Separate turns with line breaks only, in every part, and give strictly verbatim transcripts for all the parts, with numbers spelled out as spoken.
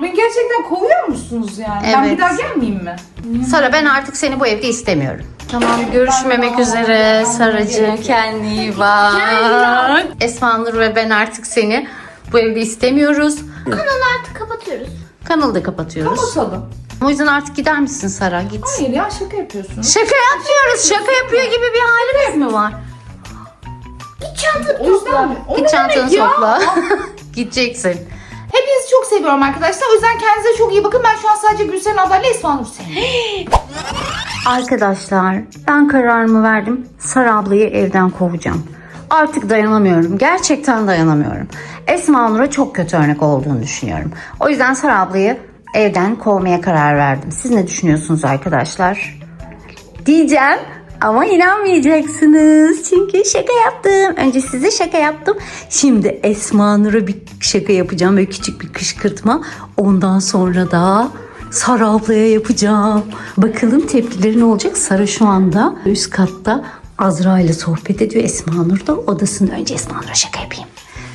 Beni gerçekten kovuyor musunuz yani?
Evet.
Ben bir daha gelmeyeyim mi?
Sara, ben artık seni bu evde istemiyorum. Tamam, görüşmemek üzere Saracığım, kendine iyi bak. Esma Nur ve ben artık seni bu evde istemiyoruz.
Kanalı artık kapatıyoruz.
Kanalı da kapatıyoruz.
Kapatalım.
O yüzden artık gider misin Sara? Git.
Hayır ya, şaka yapıyorsunuz.
Şaka yapmıyoruz. Şaka yapıyor gibi bir halimiz mi var?
Git çantanı
O yüzden mi? O
Git
ne
çantanı
demek ya?
topla. Gideceksin.
Hepinizi çok seviyorum arkadaşlar. O yüzden kendinize çok iyi bakın. Ben şu an sadece Gülsen ablayla Esma Nur seviyorum.
Arkadaşlar, ben kararımı verdim. Sara ablayı evden kovacağım. Artık dayanamıyorum. Gerçekten dayanamıyorum. Esma Nur'a çok kötü örnek olduğunu düşünüyorum. O yüzden Sara ablayı evden kovmaya karar verdim. Siz ne düşünüyorsunuz arkadaşlar? Diyeceğim ama inanmayacaksınız. Çünkü şaka yaptım. Önce size şaka yaptım. Şimdi Esma Nur'a bir şaka yapacağım. Böyle küçük bir kışkırtma. Ondan sonra da Sara ablaya yapacağım. Bakalım tepkileri ne olacak? Sara şu anda üst katta Azra ile sohbet ediyor. Esma Nur da odasında. Önce Esma Nur'a şaka yapayım.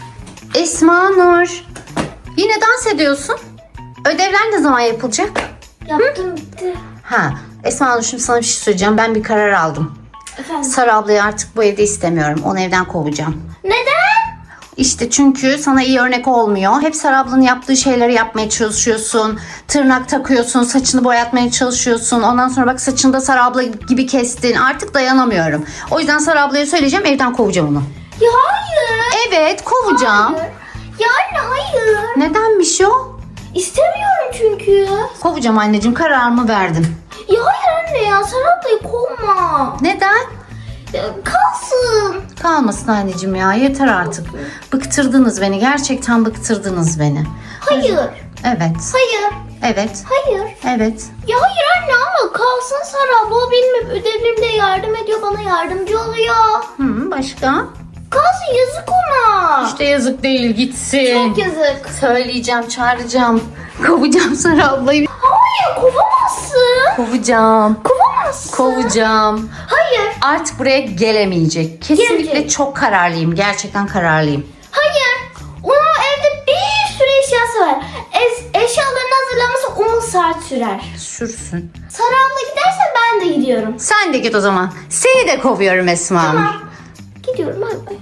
Esma Nur, yine dans ediyorsun. Ödevler ne zaman yapılacak?
Yaptım bitti.
Ha, Esma Nur, şimdi sana bir şey söyleyeceğim. Ben bir karar aldım.
Efendim?
Sara ablayı artık bu evde istemiyorum. Onu evden kovacağım.
Neden?
İşte çünkü sana iyi örnek olmuyor. Hep Sara ablanın yaptığı şeyleri yapmaya çalışıyorsun. Tırnak takıyorsun, saçını boyatmaya çalışıyorsun. Ondan sonra bak, saçını da Sara abla gibi kestin. Artık dayanamıyorum. O yüzden Sara ablaya söyleyeceğim, evden kovacağım onu.
Ya hayır.
Evet, kovacağım.
Hayır. Ya anne hayır.
Nedenmiş o?
İstemiyorum çünkü.
Kovacağım anneciğim, kararımı verdim.
Ya hayır anne ya, Sara ablayı kovma.
Neden?
Ya, kalsın.
Kalmasın anneciğim ya, yeter artık. Bıktırdınız beni, gerçekten bıktırdınız beni.
Hayır.
Evet,
Hayır.
evet,
Hayır.
evet.
Ya hayır anne ama kalsın Sara abla. O benim ödevlerimde yardım ediyor. Bana yardımcı oluyor.
Hı, başka?
Kalsın, yazık ona.
İşte yazık değil, gitsin.
Çok yazık.
Söyleyeceğim, çağıracağım. Kovacağım Sara ablayı.
Hayır, kovamazsın.
Kovacağım.
Kovamazsın.
Kovacağım.
Hayır.
Artık buraya gelemeyecek. Kesinlikle
Gelecek.
çok kararlıyım. Gerçekten kararlıyım.
Hayır. Onun evde bir sürü eşyası var. Es- eşyalarını hazırlaması on saat sürer.
Sürsün.
Sara abla giderse ben de gidiyorum.
Sen de git o zaman. Seni de kovuyorum Esma Hanım.
Tamam. Gidiyorum bay bay.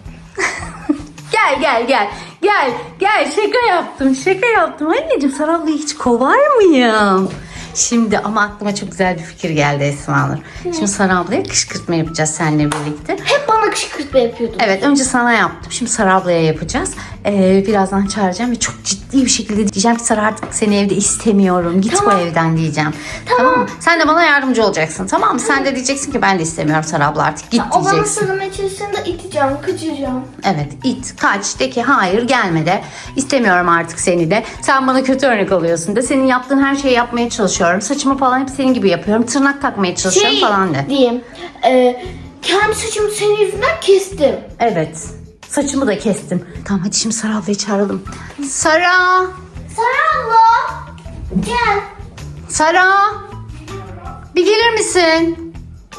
Gel gel gel. Gel gel, şaka yaptım şaka yaptım. Anneciğim, Sara ablayı hiç kovar mıyım? Şimdi ama aklıma çok güzel bir fikir geldi Esma Nur. Şimdi Sara ablaya kışkırtma yapacağız seninle birlikte.
Hep bana kışkırtma yapıyordun.
Evet, önce sana yaptım. Şimdi Sara ablaya yapacağız. Ee, birazdan çağıracağım ve çok ciddi bir şekilde diyeceğim ki Sara, artık seni evde istemiyorum. Git
Tamam.
bu evden diyeceğim. Tamam. mı? Sen de bana yardımcı olacaksın, tamam mı? Sen de diyeceksin ki ben de istemiyorum Sara abla, artık git
O bana
diyeceksin.
sarılma çalışında iteceğim, kaçıracağım.
Evet, it, kaç, de ki hayır, gelme de. İstemiyorum artık seni de. Sen bana kötü örnek oluyorsun de. Senin yaptığın her şeyi yapmaya çalışıyorum. Saçımı falan hep senin gibi yapıyorum. Tırnak takmaya çalışıyorum
Şey
falan de.
diyeyim. E, kendi saçımı senin yüzünden kestim.
Evet. Saçımı da kestim. Tamam, hadi şimdi Sara ablayı çağıralım. Sara!
Sara abla. Gel.
Sara! Bir gelir misin?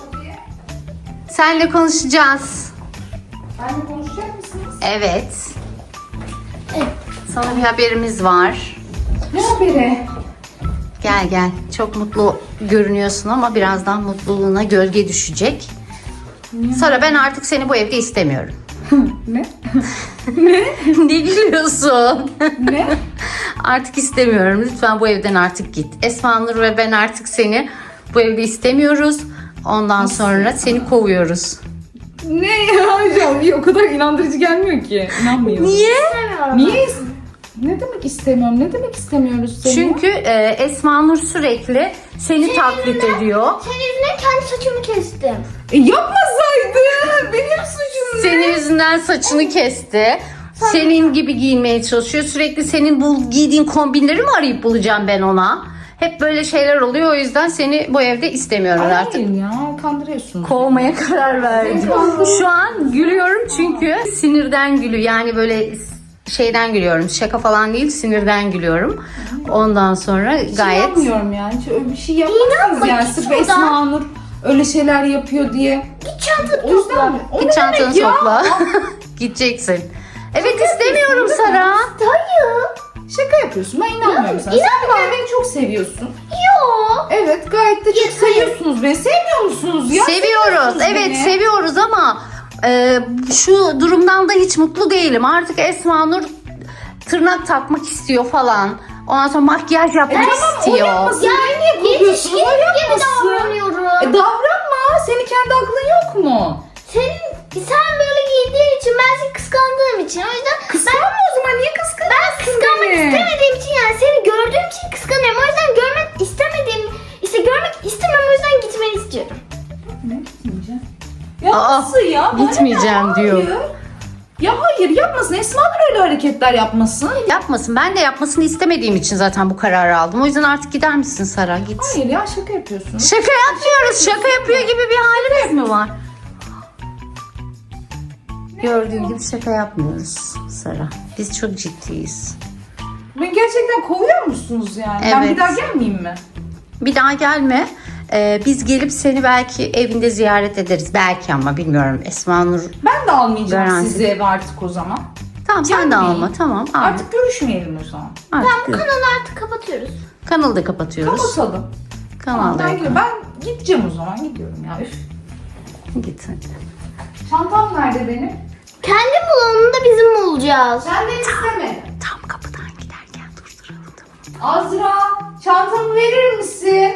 Seninle konuşacağız.
Benimle konuşacak mısınız?
Evet.
Evet.
Sana bir haberimiz var.
Ne haberi?
Gel gel. Çok mutlu görünüyorsun ama birazdan mutluluğuna gölge düşecek. Sara, ben artık seni bu evde istemiyorum.
Ne?
Ne gülüyorsun?
Ne?
Artık istemiyorum. Lütfen bu evden artık git. Esma Nur ve ben artık seni bu evde istemiyoruz. Ondan sonra seni kovuyoruz.
Ne ya hocam? Bir o kadar inandırıcı gelmiyor ki. İnanmıyorum.
Niye?
İstemiyorum.
Niye? is- Ne demek istemiyorum? Ne demek istemiyoruz seni?
Çünkü e, Esma Nur sürekli seni taklit ediyor.
Senin yüzünden kendi saçımı kestim.
E, yapmasaydı. Benim suçum ne?
Senin yüzünden saçını kesti. Senin gibi giyinmeye çalışıyor. Sürekli senin bu giydiğin kombinleri mi arayıp bulacağım ben ona? Hep böyle şeyler oluyor. O yüzden seni bu evde istemiyorum artık.
Hayır ya, kandırıyorsun.
Kovmaya karar verdim. Şu an gülüyorum çünkü sinirden gülüyor. Yani böyle şeyden gülüyorum. Şaka falan değil, sinirden gülüyorum. Ondan sonra
Hiç
gayet...
inanmıyorum yani. Hiç öyle bir şey yapmazsınız
İnanma,
yani.
git
Sırf
buradan.
Esma Nur öyle şeyler yapıyor diye.
Git çantanı
O yüzden
topla.
mi? O
Git
ne
çantanı
demek ya?
topla. Gideceksin. Evet, istemiyorum Sara.
Hayır.
Şaka yapıyorsun. Ben inanmıyorum sana. Sen bir kere beni çok seviyorsun.
Yo.
Evet, gayet de çok
Ya,
seviyorsunuz beni. Sevmiyor musunuz ya?
Seviyoruz.
Seviyorsunuz
Evet,
beni.
seviyoruz ama e, şu durumdan da hiç mutlu değilim. Artık Esma Nur tırnak takmak istiyor falan. Ondan sonra makyaj yapmak
E tamam, o
istiyor.
yapmasın.
Ya
Beni niye
yetişkin
kızıyorsun? O
gibi
yapmasın.
davranıyorum.
E davranma. Senin kendi aklın yok mu?
Senin, sen böyle giydiğin için ben seni kıskandığım için o yüzden
Kıskanma o zaman. Niye kıskanıyorsun
ben kıskanmak
beni?
istemediğim için yani seni gördüğüm için kıskanıyorum. O yüzden görmek istemediğim işte görmek istemem o yüzden gitmeni istiyorum.
Ne gitmeyeceğim? Ya
Aa,
nasıl ya? Bana
gitmeyeceğim
ne?
diyor.
Hayır. Ya hayır, yapmasın. Esma Nur öyle hareketler yapmasın.
Yapmasın. Ben de yapmasını istemediğim için zaten bu kararı aldım. O yüzden artık gider misin Sara? Git.
Hayır ya, şaka yapıyorsun.
Şaka yapmıyoruz. Şaka yapıyor gibi bir halimiz mi var? Gördüğün gibi şaka yapmıyoruz Sara. Biz çok ciddiyiz.
Beni gerçekten kovuyor musunuz yani? Ben
Evet.
bir daha gelmeyeyim mi?
Bir daha gelme. Ee, biz gelip seni belki evinde ziyaret ederiz. Belki ama bilmiyorum. Esma Nur.
Ben de almayacağım
Garanti.
sizi eve artık o zaman.
Tamam sen de
Gelmeyin.
alma. Tamam. Alma.
Artık görüşmeyelim o zaman.
Artık
Tamam, kanalı artık kapatıyoruz.
kanalı da kapatıyoruz.
Kapatalım.
Kanalı da
Ben, gidiyorum. ben gideceğim o zaman. Gidiyorum ya. Üf.
git hadi.
Çantam nerede benim?
Kendi bulanını da bizim mi olacağız?
Senden istemedim.
Tam kapıdan giderken durduralım tamam.
Azra, çantamı verir misin?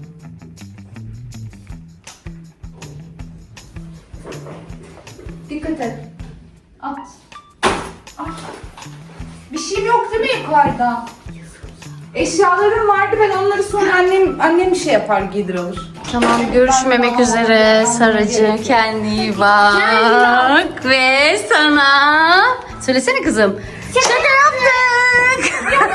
Dikkat et. At. At. Bir şeyim yok değil mi yukarıda? Eşyalarım vardı, ben onları sonra annem annem bir şey yapar, giydir alır.
Tamam görüşmemek üzere Saracığım. Kendine iyi bak. Ve sana... Söylesene kızım. Şaka yaptık.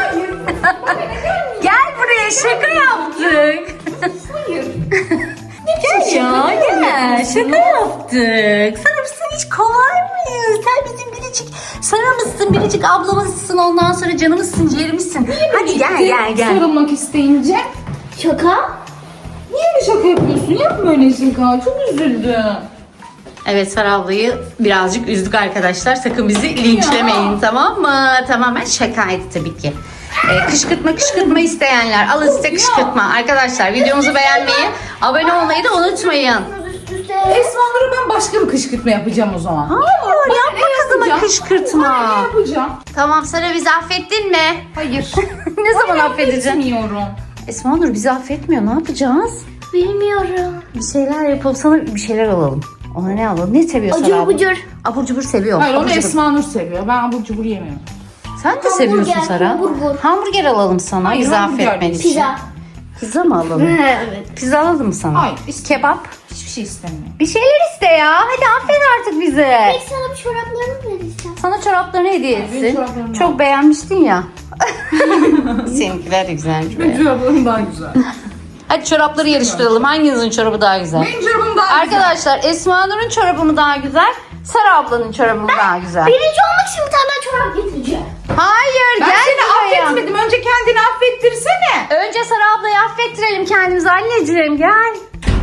Gel buraya şaka yaptık.
Hayır.
Gel ya gel. Şaka yaptık. Sana biz seni hiç kovar mıyız? Sen bizim biricik Sara'mızsın, biricik ablamızsın. Ondan sonra canımızsın, ciğerimizsin. Hadi gel gel gel.
Sarılmak isteyince.
Şaka?
Niye mi şaka yapıyorsun? Yapma öyle şaka. Çok üzüldüm.
Evet Sara ablayı birazcık üzdük arkadaşlar. Sakın bizi linçlemeyin tamam mı? Tamamen şakaydı tabii ki. Ee, kışkırtma kışkırtma isteyenler alın size kışkırtma. Arkadaşlar videomuzu beğenmeyi, abone olmayı da unutmayın.
Üst üste.
Esma Nur'a ben başka bir kışkırtma yapacağım o zaman.
Hayır
Bana
yapma
ne
kızıma
yapacağım?
kışkırtma.
Bana ne yapacağım?
Tamam Sara bizi affettin mi?
Hayır.
Ne zaman affedeceksin?
Bilmiyorum.
Esma Nur bizi affetmiyor ne yapacağız?
Bilmiyorum.
Bir şeyler yapalım sana bir şeyler alalım. Ona ne alalım? Ne seviyor Sara
Acur
abla?
bucur.
Abur cubur seviyor.
Hayır, onu
Abur cubur.
Esma Nur seviyor. Ben abur cubur yemiyorum.
Sen de
Hamburger,
seviyorsun Sara.
hamburger.
Hamburger alalım sana
Hayır,
bizi
hamburger
affetmen
değil.
için.
Pizza.
Pizza mı alalım?
Evet.
Pizza alalım mı sana?
Hayır, istemem.
Kebap.
Hiçbir şey istemiyorum.
Bir şeyler iste ya. Hadi affet artık bizi.
Peki sana bir çoraplarını vereceğim.
Sana çoraplarını hediye
benim
etsin.
çoraplarım
Çok
var.
beğenmiştin ya. Seninkiler de güzelmiş.
Benim
be.
çoraplarım daha güzel.
Hadi çorapları yarıştıralım. Hanginizin çorabı daha güzel?
Benim çorabım daha güzel.
Arkadaşlar Esma Nur'un çorabı mı daha güzel? Sara ablanın çorabı mı daha güzel?
Birinci olmak için bir tane daha çorap getireceğim.
Hayır
Ben
gel
seni
buraya.
affetmedim. Önce kendini affettirsene.
Önce Sara ablayı affettirelim kendimizi anneciğim gel.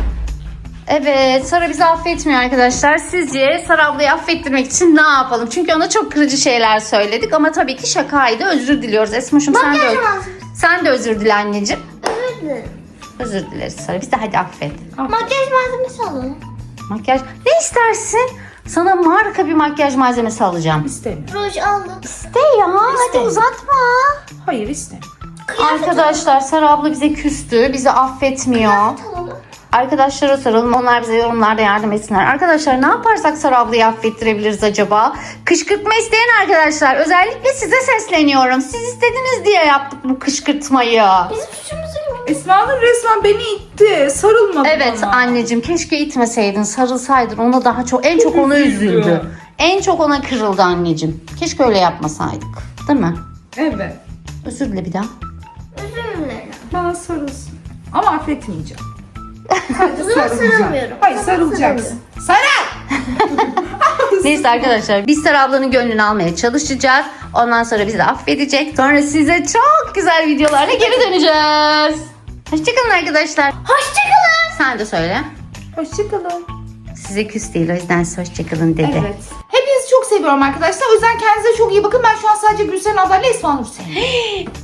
Evet Sara bizi affetmiyor arkadaşlar. Sizce Sara ablayı affettirmek için ne yapalım? Çünkü ona çok kırıcı şeyler söyledik ama tabii ki şakaydı. Özür diliyoruz Esma'şım sen de,
Makyaj
öz-
malzemesi.
sen de özür dile anneciğim.
Özür dilerim.
Özür dileriz Sara. Biz de hadi affet.
Makyaj malzemesi alalım.
Makyaj ne istersin? Sana marka bir makyaj malzemesi alacağım.
İstemiyorum.
Ruj aldım.
İste ya hadi
İstemiyorum.
uzatma.
Hayır, istemiyorum.
Arkadaşlar Sara abla bize küstü. Bizi affetmiyor.
Alalım.
Arkadaşlara soralım. Onlar bize yorumlarda yardım etsinler. Arkadaşlar ne yaparsak Sara ablayı affettirebiliriz acaba? Kışkırtma isteyen arkadaşlar. Özellikle size sesleniyorum. Siz istediniz diye yaptık bu kışkırtmayı.
Bizim suçumuz yok.
Esma Nur resmen beni itti. Sarılmadı
Evet
bana.
anneciğim keşke itmeseydin. Sarılsaydın. Ona daha çok en çok ona
üzüldü.
üzüldü. En çok ona kırıldı anneciğim. Keşke öyle yapmasaydık. Değil mi?
Evet.
Özür dile bir daha.
Özür dilerim.
Bana sarılsın. Ama affetmeyeceğim. Sadece
O zaman
sarılacağım.
sarılmıyorum.
Hayır,
O zaman
sarılacaksın. Sarıl!
Neyse arkadaşlar biz Sara ablanın gönlünü almaya çalışacağız. Ondan sonra bizi affedecek. Sonra size çok güzel videolarla geri döneceğiz. Hoşçakalın arkadaşlar.
Hoşçakalın.
Sen de söyle.
Hoşçakalın.
Size küs değil o yüzden hoşçakalın dedi.
Evet. Hepinizi çok seviyorum. seviyorum arkadaşlar. O yüzden kendinize çok iyi bakın. Ben şu an sadece Gülseren ablayla Esma Nur seviyorum.